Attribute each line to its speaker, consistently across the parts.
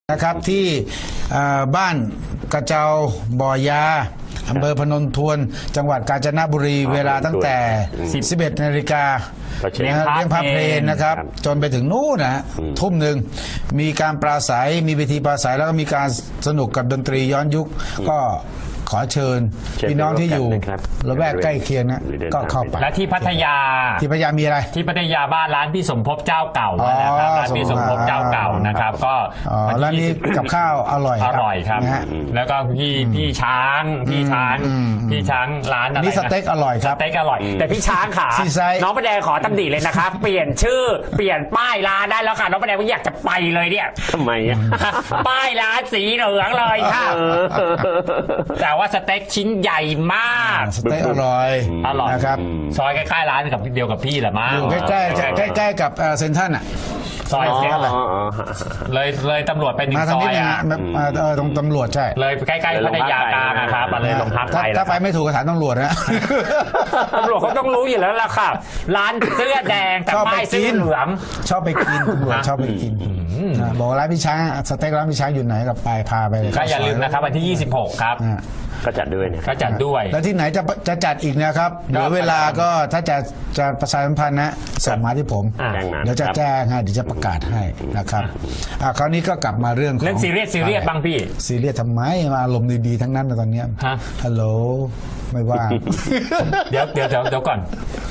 Speaker 1: นะครับที่บ้านกระเจ้าบ่อยาอำเภอพนมทวนจังหวัดกาญจนบุรีเวลาตั้งแต่ 11 นาฬิกาเลี้ยงพระเพลนนะครับจนไปถึงนู่นนะทุ่มหนึ่งมีการปราศัยมีเวทีปราศัยแล้วก็มีการสนุกกับดนตรีย้อนยุคก็ขอเชิญพี่น้องที่อยู่ละแวกใกล้เคียงนะก็เข้าไป
Speaker 2: และที่พัทยา
Speaker 1: มีอะไร
Speaker 2: ที่พัทยาบ้านร้านพี่สมภพเจ้าเก่านะครับร้านพี่สมภพเจ้าเก่านะครับก็
Speaker 1: ร้านนี้กับข้าวอร่อย
Speaker 2: ครับแล้วก็พี่ช้างร้านอะไร
Speaker 1: นี่สเต็กอร่อยครับ
Speaker 2: สเต็กอร่อยแต่พี่ช้างขาน้องประแดงขอตำหนิเลยนะครับเปลี่ยนชื่อเปลี่ยนป้ายร้านได้แล้วค่ะน้องประแดงไม่อยากจะไปเลยเนี่ย
Speaker 3: ทำไม
Speaker 2: ป้ายร้านสีเหลืองเลยค่ะแต่ว่าสเต็กชิ้นใหญ่มาก
Speaker 1: สเต็กอร่อย
Speaker 2: นะครับซอยใกล้ๆร้านกับเดียวกับพี่แหละมั้ง
Speaker 1: อยู่ใกล้กับเซ็นทรัลอ่ะ
Speaker 2: ซอยเซ็นทรัลเลยตำรวจไปหนึ่งซอย
Speaker 1: ตรงตำรวจใช่
Speaker 2: เลยใกล้ๆพัทยากลางนะครับมาเลยลงพักไป
Speaker 1: ถ้าไปไม่ถูกก็ถามตำรวจนะ
Speaker 2: ตำรวจเขาต้องรู้อยู่แล้วล่ะครับร้านเสื้อแดงแต่ป้ายเสื้อเหลือง
Speaker 1: ชอบไปกินตำรวจชอบไปกินบอกร้านพี่ช้างสเต็กร้านพี่ช้างอยู่ไหนกับไปพาไปเลย
Speaker 2: ก็อย่าลืมนะครับวันที่26ครับ
Speaker 3: ก็จัดด้วย
Speaker 2: ก็จัดด้วย
Speaker 1: แล้วที่ไหนจะจัดอีกนะครับเหลือเวลาก็ถ้าจะประชาสัมพันธ์นะส่งมาที่ผมเดี๋ยวจะแจ้งให้เดี๋ยวจะประกาศให้นะครับคราวนี้ก็กลับมาเรื่อง
Speaker 2: ซีเรียสบ้างพี่
Speaker 1: ซีเรียสทำไมมาอารมณ์ดีๆทั้งนั้นตอนนี้ฮัลโหลไม่ว่า
Speaker 2: เดี๋ยวก่อน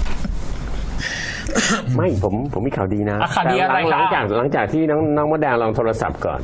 Speaker 3: ไม่ผมมีข่าวดีนะ
Speaker 2: ข่าวดีอะไร
Speaker 3: หลังจากที่น้องมดแดงลองโทรศัพท์ก่อน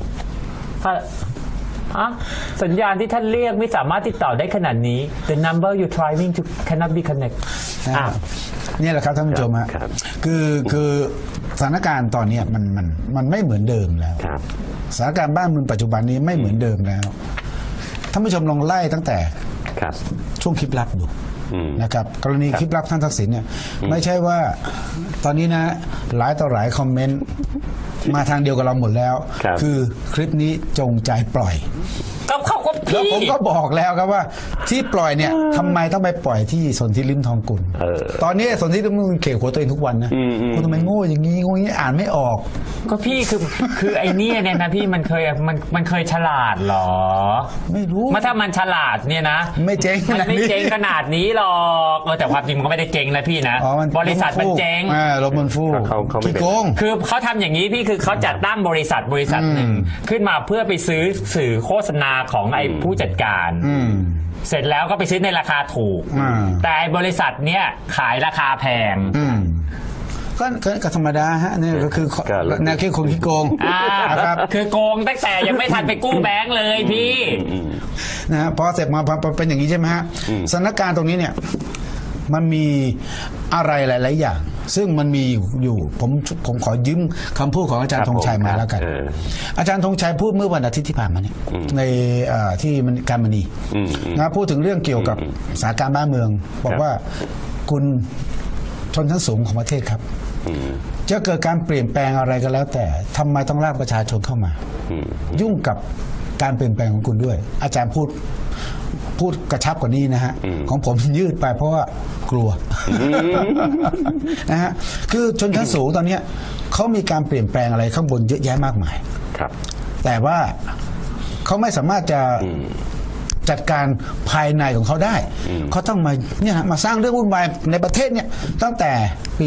Speaker 2: สัญญาณที่ท่านเรียกไม่สามารถติดต่อได้ขนาดนี้ The number you trying to cannot be connect
Speaker 1: นี่แหละครับท่านผู้ชมฮะคือสถานการณ์ตอนนี้มันไม่เหมือนเดิมแล้วสถานการณ์บ้านเมืองปัจจุบันนี้ไม่เหมือนเดิมแล้วท่านผู้ชมลองไล่ตั้งแต่ช่วงคลิปลับดูนะครับกรณีคลิปลับท่านทักษิณเนี่ยไม่ใช่ว่าตอนนี้นะหลายต่อหลายคอมเมนต์มาทางเดียวกับเราหมดแล้วคือคลิปนี้จงใจปล่อยแล้วผมก็บอกแล้วครับว่าที่ปล่อยเนี่ยทำไมต้องไปปล่อยที่สนธิลิ้มทองกุลตอนนี้สนธิลิ้มทองกุลเข่งหัวตัวเองทุกวันนะคุณทำไมโง่อย่างนี้อ่านไม่ออก
Speaker 2: ก็พี่คือไอ้นี่เนี่ยนะพี่มันเคยฉลาดหรอ
Speaker 1: ไม่รู้
Speaker 2: ถ้ามันฉลาดเนี่ยนะ
Speaker 1: ไม่เจ๊ง
Speaker 2: ขนาดนี้หรอกแต่ความจริงมันก็ไม่ได้เจ๊งนะพี่นะบริษัทมันเจ๊ง
Speaker 1: ลบมันฟู่ขี้โกง
Speaker 2: คือเขาทำอย่างนี้พี่คือเขาจัดตั้งบริษัทหนึ่งขึ้นมาเพื่อไปซื้อสื่อโฆษณาของไอ้ผู้จัดการเสร็จแล้วก็ไปซื้อในราคาถูกแต่บริษัทเนี้ยขายราคาแพง
Speaker 1: ก็ธรรมดาฮะนี่ก็คือแนวคิดคนขี้โกง
Speaker 2: นะครับคือโกงตั้งแต่ยังไม่ทันไปกู้แบงก์เลยพี่
Speaker 1: นะพอเสร็จมาเป็นอย่างนี้ใช่ไหมฮะสถานการณ์ตรงนี้เนี่ยมันมีอะไรหลายๆอย่างซึ่งมันมีอยู่ผมขอยืมคำพูดของอาจารย์ธงชัยมาแล้วกันอาจารย์ธงชัยพูดเมื่อวันอาทิตย์ที่ผ่านมาเนี่ยในที่การมณีนะพูดถึงเรื่องเกี่ยวกับสถานการณ์บ้านเมืองบอกว่าคุณชนชั้นสูงของประเทศครับจะเกิดการเปลี่ยนแปลงอะไรก็แล้วแต่ทำไมต้องลากประชาชนเข้ามายุ่งกับการเปลี่ยนแปลงของคุณด้วยอาจารย์พูดกระชับกว่านี้นะฮะของผมยืดไปเพราะว่ากลัวนะฮะคือชนชั้นสูงตอนนี้เขามีการเปลี่ยนแปลงอะไรข้างบนเยอะแยะมากมายแต่ว่าเขาไม่สามารถจะจัดการภายในของเขาได้เขาต้องมาสร้างเรื่องวุ่นวายในประเทศเนี่ยตั้งแต่ปี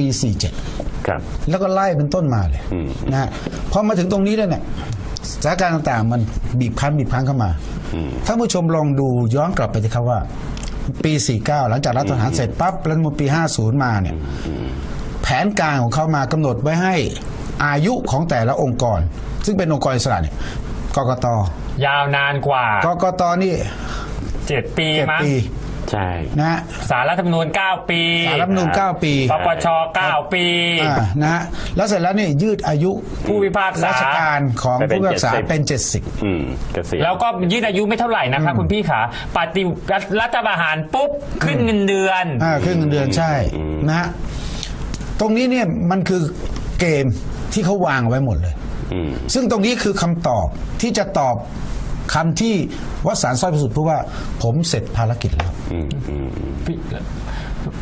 Speaker 1: 47แล้วก็ไล่เป็นต้นมาเลยนะฮะพอมาถึงตรงนี้แล้วเนี่ยสถานการณ์ต่างๆมันบีบคั้นเข้ามาท่านผู้ชมลองดูย้อนกลับไปสิครับว่าปี49หลังจากรัฐประหารเสร็จปั๊บแล้วมาปี50มาเนี่ยแผนการของเขามากำหนดไว้ให้อายุของแต่ละองค์กรซึ่งเป็นองค์กรอิสระเนี่ยกกต.
Speaker 2: ยาวนานกว่าก
Speaker 1: กต.นี่
Speaker 2: 7 ปีมั้ง
Speaker 3: ใช่
Speaker 1: นะ
Speaker 2: ศาลรัฐธรรมนูญ9 ปี
Speaker 1: ศาลรัฐธรรมนูญ9 ปี
Speaker 2: ปปช9 ปี
Speaker 1: นะฮะแล้วเสร็จแล้วนี่ยืดอายุ
Speaker 2: ผู้พิพากษา
Speaker 1: ราชการของผู้พิพากษาเป็น70
Speaker 2: แล้วก็ยืดอายุไม่เท่าไหร่นะคะคุณพี่ขาปฏิรัฐประหารปุ๊บขึ้นเงินเดือน
Speaker 1: ขึ้นเงินเดือนใช่นะฮะตรงนี้เนี่ยมันคือเกมที่เขาวางไว้หมดเลยซึ่งตรงนี้คือคำตอบที่จะตอบคำที่วสันต์ สร้อยประสุทธิ์พูดว่าผมเสร็จภารกิจแล้ว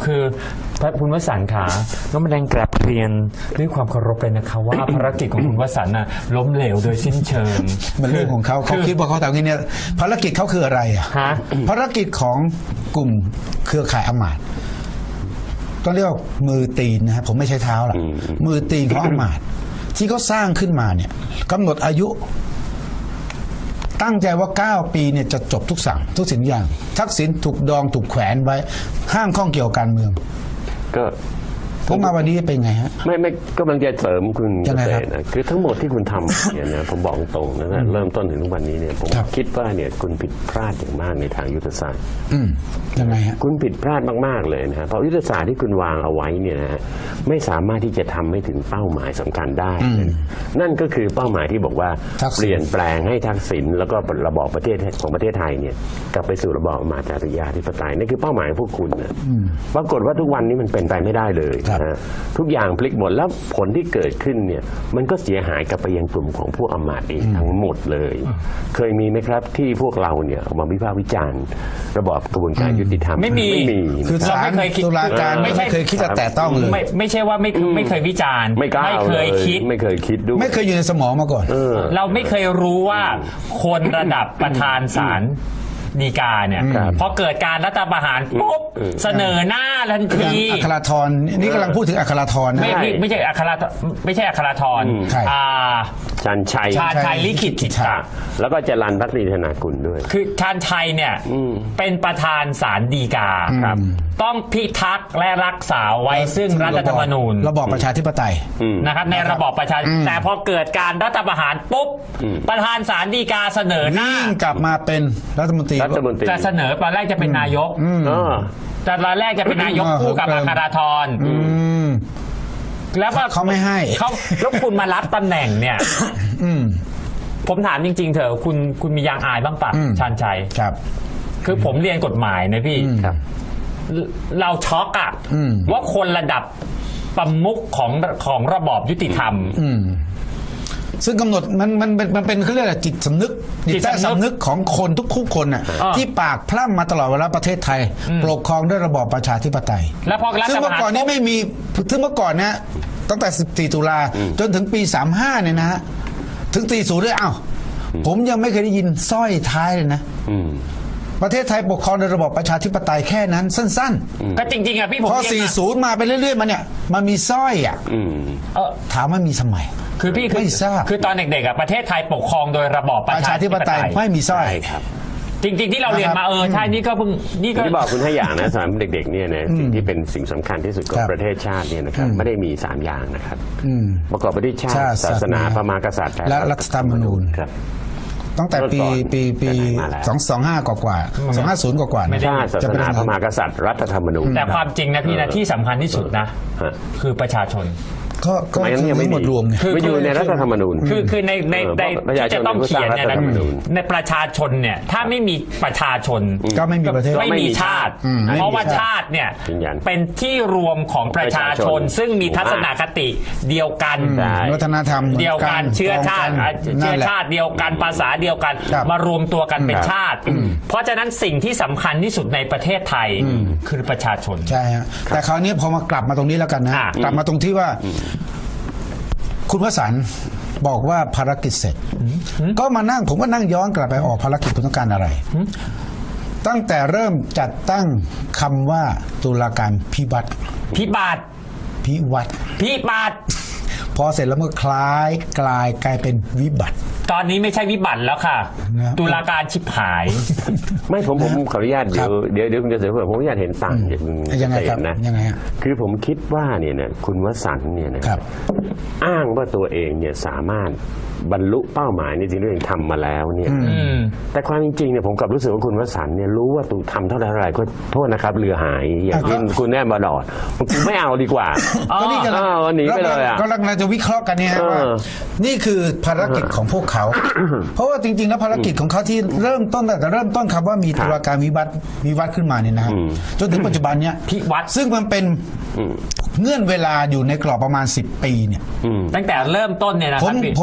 Speaker 2: คือพระคุณวสันต์ขาน้องแมลงกราบเรียนด้วยความเคารพเลยนะคะว่า ภารกิจของคุณวสันต์น่ะล้มเหลวโดยสิ้นเชิง
Speaker 1: มันเรื่องของเขาคิดว่าเขาทำอย่างนี้เนี่ยภารกิจเขาคืออะไรอ่ะ
Speaker 2: ฮะ
Speaker 1: ภารกิจของกลุ่มเครือข่ายอำมาตย์ต้องเรียกว่ามือตีนนะฮะผมไม่ใช้เท้าหรอกมือตีนของอำมาตย์ที่เขาสร้างขึ้นมาเนี่ยกำหนดอายุ ตั้งใจว่า 9 ปีเนี่ยจะจบทุกสิ่งอย่าง ทักษิณถูกดองถูกแขวนไว้ ห้ามข้องเกี่ยวกับการเมือง
Speaker 3: ก็
Speaker 1: ผมมาวันนี้เป็นไงฮะ
Speaker 3: ไม่กำลังจะเสริมคุณ
Speaker 1: ยังไงครับ
Speaker 3: เกษตรนะคือทั้งหมดที่คุณทำเนี่ยนะผมบอกตรงนะเริ่มต้นถึงทุกวันนี้เนี่ยผม
Speaker 1: ครับ
Speaker 3: คิดว่าเนี่ยคุณผิดพลาดอย่างมากในทางยุทธศาสตร์
Speaker 1: ยังไงฮะ
Speaker 3: คุณผิดพลาดมากๆเลยนะฮะเพราะยุทธศาสตร์ที่คุณวางเอาไว้เนี่ยนะฮะไม่สามารถที่จะทำให้ถึงเป้าหมายสำคัญได้ นั่นก็คือเป้าหมายที่บอกว่า
Speaker 1: ทักษิณ
Speaker 3: เปลี่ยนแปลงให้ทักษิณแล้วก็ระบอบประเทศของประเทศไทยเนี่ยกลับไปสู่ระบอบอำมาตย์ธิปไตยนี่คือเป้าหมายของพวกคุณนะปรากฏว่าทุกวันนี้มันเป็นไปไม่ได้เลย
Speaker 1: ครับ
Speaker 3: นะฮะทุกอย่างพลิกหมดแล้วผลที่เกิดขึ้นเนี่ยมันก็เสียหายกลับไปยังกลุ่มของพวกอำมาตย์เองทั้งหมดเลย เคยมีไหมครับที่พวกเราเนี่ยออกมาวิพากษ์วิจารณ์ระบอบกระบวนการยุติธรรม
Speaker 2: ไม่มี
Speaker 1: คือ
Speaker 2: เรา
Speaker 1: ศาล
Speaker 2: ไม่เคยคิด
Speaker 1: ตุลาการ
Speaker 2: ไม่ใช่
Speaker 1: ไม่เคยคิดจะแตะต้องเลย
Speaker 2: ไม่ใช่ว่าไม่เคยวิจารณ์
Speaker 3: ไม่กล้า
Speaker 2: ไม่เคยคิด
Speaker 3: ไม่เคยคิดด้วย
Speaker 1: ไม่เคยอยู่ในสมองมาก่อน
Speaker 2: เราไม่เคยรู้ว่าคนระดับประธานศาลฎีกาเนี่ยพอเกิดการรัฐประหารปุ๊บเสนอหน้าทัน
Speaker 1: อย่าง
Speaker 2: ที
Speaker 1: อัคราธรนี่กำลังพูดถึงอัคราธรนะ
Speaker 2: ไม่ใช่อัคราธร
Speaker 1: ใคร
Speaker 3: ชาญชัย
Speaker 2: ชาญชัยลิขิตจิตตะ
Speaker 3: แล้วก็จรัญพักดีธนากุลด้วย
Speaker 2: คือชาญชัยเนี่ยเป็นประธานศาลฎีกา
Speaker 3: ครับ
Speaker 2: ต้องพิทักษ์และรักษาไว้ซึ่งรัฐธรรมนูญ
Speaker 1: ระบอบประชาธิปไตย
Speaker 2: นะครับในระบอบประชาธิปไตยแต่พอเกิดการรัฐประหารปุ๊บประธานศาลฎีกาเสนอหน้า
Speaker 1: วิ่งกลับมาเป็นรัฐมนตรี
Speaker 3: รัฐมนตรี
Speaker 2: จะเสนอตอนแรกจะเป็นนายก แต่ตอนแรกจะเป็นนายกคู่กับอัคราธรแล้วก็
Speaker 1: เขาไม่ให้
Speaker 2: เขาแล้วคุณมารับตำแหน่งเนี่ยผมถามจริงๆเถอะคุณมียางอายบ้างปะชาญชัย
Speaker 1: ครับ
Speaker 2: คือผมเรียนกฎหมายนะพี่
Speaker 3: ครับ
Speaker 2: เราช็อกอะว่าคนระดับประมุขของระบอบยุติธรรม
Speaker 1: ซึ่งกำหนดมันเป็นเขาเรียกอะไรจิตสำนึก
Speaker 2: จิตใต้สำนึก
Speaker 1: ของคนทุกคนน่ะที่ปากพร่ำมาตลอดเวลาประเทศไทยปกครองด้วยระบอบประชาธิปไตย
Speaker 2: แล้วพอรัฐ
Speaker 1: ซึ่ง
Speaker 2: ป
Speaker 1: เมื่
Speaker 2: ระ
Speaker 1: อ
Speaker 2: หาร
Speaker 1: ก่อนนี้ไม่มีซึ่งเมื่อก่อนนะตั้งแต่ 14 ตุลาจนถึงปี 35 เนี่ยนะฮะถึง 40 ด้วยอ้าวผมยังไม่เคยได้ยินสร้อยท้ายเลยนะประเทศไทยปกครองโดยระบอบประชาธิปไตยแค่นั้นสั้น
Speaker 2: ก็จริงๆอะพี่ผม
Speaker 1: ๆพอ
Speaker 2: เรียนมา
Speaker 1: 40 มาไปเรื่อยๆมาเนี่ยมันมีสร้อยอ่ะถามว่ามีสมัย
Speaker 2: คือพี่
Speaker 1: ไม่ทราบ
Speaker 2: คือตอนเด็กๆอะประเทศไทยปกครองโดยระบอบประชาธิปไตย
Speaker 1: ไม่มีสร้อย
Speaker 3: ใช่ครับ
Speaker 2: จริงๆที่เราเรียนมาใช่นี่ก็เพิ่งนี่ก็
Speaker 3: ที่บอกคุณให้อย่างนะสำหรับเด็กๆเนี่ยนะสิ่งที่เป็นสิ่งสำคัญที่สุดของ
Speaker 1: ครับ
Speaker 3: ประเทศชาติเนี่ยนะครับไม่ได้มี3อย่างนะครับประกอบไปด้วยชา
Speaker 1: ชา
Speaker 3: ติ
Speaker 1: ติ
Speaker 3: ศาสนา
Speaker 1: ศาสนา
Speaker 3: พระมหากษัตริย์
Speaker 1: และรัฐธรรมนูญ
Speaker 3: ครับ
Speaker 1: ตั้งแต่ปี
Speaker 3: แต่ไหนมาแล้ว
Speaker 1: 225 กว่า250 กว่าๆ
Speaker 2: ไม่ได้
Speaker 3: ชาติศาสนาพระมหากษัตริย์รัฐธรรมนูญ
Speaker 2: แต่ความจริงนะพี่นะที่สำคัญที่สุดนะ
Speaker 3: ฮะ
Speaker 2: คือประชาชน
Speaker 1: ก็
Speaker 3: สมัยนั้น
Speaker 1: คือ
Speaker 3: ยังไม่
Speaker 1: ทั้งหมด
Speaker 3: มี
Speaker 1: รวมไง
Speaker 2: คือ
Speaker 3: ไม่อยู่ในรัฐธรรมนูญ
Speaker 2: คือใน
Speaker 3: ประชาชน
Speaker 2: ที่จะต้องเขียนเนี่ย
Speaker 3: เป็นผู้สร้างรัฐธรรมนูญ
Speaker 2: ในประชาชนเนี่ยถ้าไม่มีประชาชน
Speaker 1: ก็ไม่มีประเทศ
Speaker 2: ไม่มีชาติ เพราะว่าชาติเนี่ย
Speaker 3: ยืนยัน
Speaker 2: เป็นที่รวมของประชาชน ซึ่งมีทัศนคติเดียวกัน
Speaker 3: ใช่
Speaker 1: วัฒนธรรม
Speaker 2: เดียวกันเชื้อชาติ
Speaker 1: นั่
Speaker 2: เชื้
Speaker 1: น
Speaker 2: อ
Speaker 1: แหละ
Speaker 2: ชาติเดียวกันภาษาเดียวกัน
Speaker 1: ครับ
Speaker 2: มารวมตัวกันเป็น
Speaker 3: ครับ
Speaker 2: ชาติ เพราะฉะนั้นสิ่งที่สำคัญที่สุดในประเทศไทยคือประชาชน
Speaker 1: ใช่ฮะแต่คราวนี้พอมากลับมาตรงนี้แล้วกันนะ กลับมาตรงที่ว่า คุณวสันต์บอกว่าภารกิจเสร็จ ก็มานั่งผมก็นั่งย้อนกลับไปออกภารกิจคุณต้องการอะไร ตั้งแต่เริ่มจัดตั้งคำว่าตุลาการพิวัตร
Speaker 2: พิบัติ
Speaker 1: พิวัตร
Speaker 2: พิบัติ
Speaker 1: พอเสร็จแล้วมันคล้ายกลายเป็นวิบัติ
Speaker 2: ตอนนี้ไม่ใช่วิบัติแล้วค่ะ
Speaker 1: นะ
Speaker 2: ตุลาการชิบหาย
Speaker 3: ไม่ผมขออนุญาตเดี๋ยวคุณจะเสริมผมขออนุญาตเห็นต่างจากคุณ
Speaker 1: ยังไงครับ
Speaker 3: เกษมนะ
Speaker 1: ยังไงฮะ
Speaker 3: คือผมคิดว่าเนี่ยนะคุณวสันต์เนี่ยนะครับ อ้างว่าตัวเองเนี่ยสามารถบรรลุเป้าหมายในสิ่งที่ตัวเองทำมาแล้วเนี่ยแต่ความจริงๆเนี่ยผมกลับรู้สึกว่าคุณวสันต์เนี่ยรู้ว่าตัวทำเท่าไหร่ก็โทษนะครับเรือหายอย่างที่คุณแน่มาดอดผมไม่เอาดีกว่า
Speaker 1: ก็นี่กำลัง
Speaker 3: หนีไปเลยอ่ะ
Speaker 1: ก็กำลังจะวิเคราะห์กันเนี่ยว่านี่คือภารกิจของพวกเขา เพราะว่าจริงๆแล้วภารกิจของเขาที่เริ่มต้นแต่เริ่มต้นคำว่ามีตุลาการวิวัฒน์ขึ้นมาเนี่ยนะครับจนถึงปัจจุบันเนี่ย
Speaker 2: พิวัตร
Speaker 1: ซึ่งมันเป็นเงื่อนเวลาอยู่ในกรอบประมาณ10 ปีเนี่ย
Speaker 2: ตั้งแต่เริ่มต้นเนี่ยนะ
Speaker 1: ผ
Speaker 2: ครั
Speaker 1: ม
Speaker 2: บพี่
Speaker 1: ผมย้อนหลัง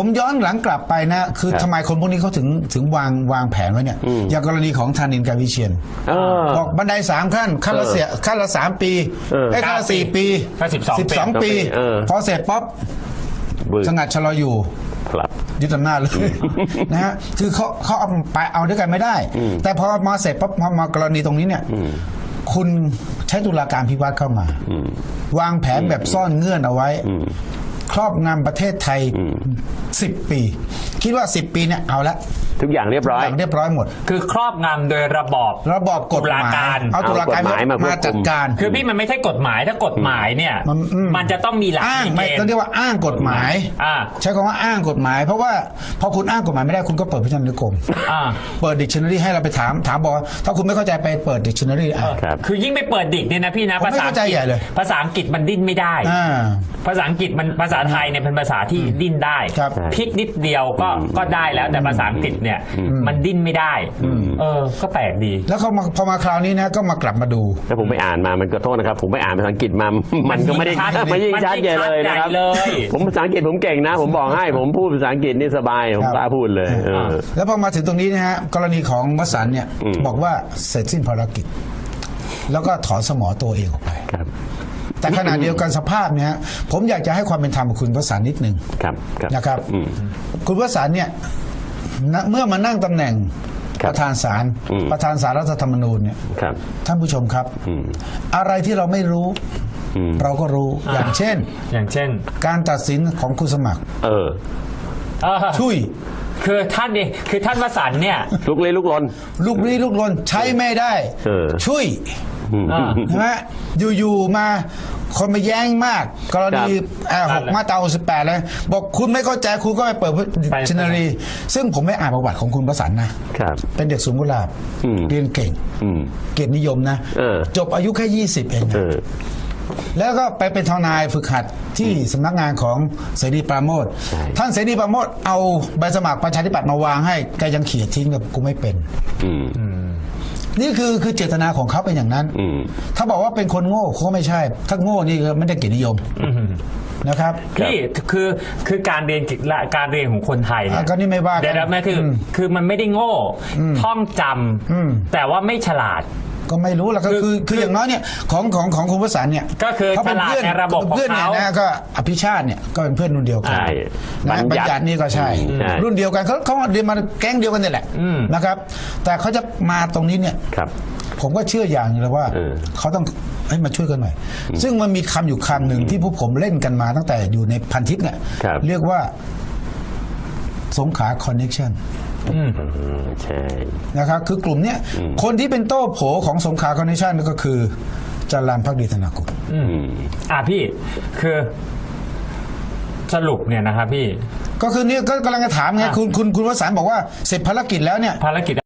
Speaker 1: ลังกลับไปนะคือทำไมคนพวกนี้เขาถึงวางแผนไว้เนี่ยอย่างกรณีของธานินทร์ กาวิเชียนบอกบันได3 ขั้นขั้นละ3 ปีไอ้ขั้นละ4 ปี
Speaker 2: ก็12
Speaker 1: ปี พอเสร็จป๊อบสงัดชะลออยู่
Speaker 3: ครับ
Speaker 1: ยึดอำนาจเลยนะฮะคือเขาเอาไปเอาด้วยกันไม่ได้ แต่พอมาเสร็จปั๊บพอมากรณีตรงนี้เนี่ยคุณใช้ตุลาการพิวัตรเข้ามาวางแผนแบบซ่อนเงื่อนเอาไว้ครอบงำประเทศไทย10 ปี คิดว่า10 ปีเนี่ยเอาละ
Speaker 3: ทุกอย่างเรียบร้อย
Speaker 1: เรียบร้อยหมด
Speaker 2: คือครอบงำโดยระบอบ
Speaker 1: กฎหมายเอาตุลาการ
Speaker 3: เอากฎหมายมาควบคุม
Speaker 1: จัดการ
Speaker 2: คือพี่มันไม่ใช่กฎหมายถ้ากฎหมายเนี่ยมันจะต้องมีหลัก
Speaker 1: อ้าง
Speaker 2: มี
Speaker 1: ไม่
Speaker 2: เกณ
Speaker 1: ต้อง
Speaker 2: ฑ์
Speaker 1: เรียกว่าอ้างกฎหมาย ใช้คำว่าอ้างกฎหมาย เพราะว่าพอคุณอ้างกฎหมายไม่ได้คุณก็เปิดพจนานุกรมเปิด dictionary ให้เราไปถามบอกว่าถ้าคุณไม่เข้าใจไปเปิด dictionary
Speaker 3: ครับ
Speaker 2: คือยิ่งไปเปิดดิกเนี่ยนะพี่นะ
Speaker 1: ผมไม่เข้าใจใหญ่เลย
Speaker 2: ภาษาอังกฤษมันดิ้นไม่ได้ ภาษาอังกฤษมันภาษาไทยเนี่ยเป็นภาษาที่ดิ้นได้
Speaker 1: ครับ
Speaker 2: พลิกนิดเดียวก็ได้แล้วแต่ภาษาอังกฤษเนี่ยมันดิ้นไม่ได้ก็แปลกดี
Speaker 1: แล้วพอมาคราวนี้นะก็มากลับมาดู
Speaker 3: แล้วผมไปอ่านมามันก็โทษนะครับ ผมไปอ่านภาษาอังกฤษมา มันก็ไม่ได้
Speaker 2: มันยิ่ง
Speaker 3: ชัดใหญ่เลยนะครับ
Speaker 2: มันยิ่งชัดใหญ่เลย
Speaker 3: ผมภาษาอังกฤษผมเก่งนะ ผมบอกให้ผมพูดภาษาอังกฤษนี่สบายผมกล้าพูดเลย
Speaker 1: แล้วพอมาถึงตรงนี้นะฮะกรณีของวสันต์เนี่ยบอกว่าเสร็จสิ้นภารกิจ แล้วก็ถอนสมอตัวเองออกไป
Speaker 3: ครับ
Speaker 1: แต่ขณะเดียวกันสภาพเนี่ยฮะผมอยากจะให้ความเป็นธรรมกับคุณวสันต์นิดนึง
Speaker 3: ครับ
Speaker 1: นะครับ คุณวสันต์เนี่ยเมื่อมานั่งตำแหน่ง
Speaker 3: ครับ
Speaker 1: ประธานศาลประธานศาลรัฐธรรมนูญเนี่ย
Speaker 3: ครับ
Speaker 1: ท่านผู้ชมครับ อะไรที่เราไม่รู้ เราก็รู้อย่างเช่น การตัดสินของคุณสมัครชุย
Speaker 2: คือท่านวสันต์เนี่ย
Speaker 3: ลุกลี้ลุกลน
Speaker 1: ลูกนี้ลูกลนใช้ไม่ได้ชุยใช่ไหมอยู่ๆมาคนมาแย้งมาก กรณี6 มาตรา 68เลยบอกคุณไม่เข้าใจคุณก็ไปเปิดดิกชันนารีซึ่งผมไม่อ่านประวัติของคุณวสันต์นะครับเป็นเด็กสูงกุหลาบเรียนเก่งเกียรตินิยมนะจบอายุแค่20เองนะแล้วก็ไปเป็นทนายฝึกหัดที่สำนักงานของเสรีปราโมชท่านเสรีปราโมชเอาใบสมัครประชาธิปัตย์มาวางให้แกยังเขียนทิ้งแบบกูไม่เป็นนี่คือเจตนาของเขาเป็นอย่างนั้นถ้าบอกว่าเป็นคนโง่เขาก็ไม่ใช่ ถ้าโง่นี่ก็ไม่ได้เกียรตินิยมนะครับ
Speaker 2: พี่คือการเรียนของคนไทยเนี่ย
Speaker 1: ก็นี่ไม่ว่ากัน
Speaker 2: เดี๋ยวนะคือมันไม่ได้โง่ท่องจำแต่ว่าไม่ฉลาด
Speaker 1: ก็ไม่รู้แล้วก็คืออย่างน้อยเนี่ยของคุณวสันต์เนี่ย
Speaker 2: ก็คือ
Speaker 1: เขาเป็นเพื่อน
Speaker 2: ฉลาดในระบบของเขา
Speaker 1: เพื่อนเนี่ยนะก็อภิชาติเนี่ยก็เป็นเพื่อนรุ่นเดียวกัน
Speaker 3: ใช่
Speaker 1: นะบัญญัตินี่ก็ใช่ รุ่นเดียวกันเขาเรียนมาแก๊งเดียวกันนี่แหละนะครับ แต่เขาจะมาตรงนี้เนี่ย
Speaker 3: ครับ
Speaker 1: ผมก็เชื่ออย่างเลยว่าเขาต้องให้มาช่วยกันหน่อยซึ่งมันมีคำอยู่คำหนึ่งที่พวกผมเล่นกันมาตั้งแต่อยู่ในพันทิปเนี่ยเรียกว่าสงขลาคอนเนคชั่น
Speaker 3: ใช่
Speaker 1: นะครับคือกลุ่มเนี้ยคนที่เป็นโต้โผของสงขลาคอนเนคชั่นก็คือจรัญภักดีธนากุล
Speaker 2: พี่คือสรุปเนี่ยนะครับพี่
Speaker 1: ก็คือนี่ก็กำลังจะถามไงคุณวสันต์บอกว่าเสร็จภารกิจแล้วเนี่ย
Speaker 2: ภารกิจ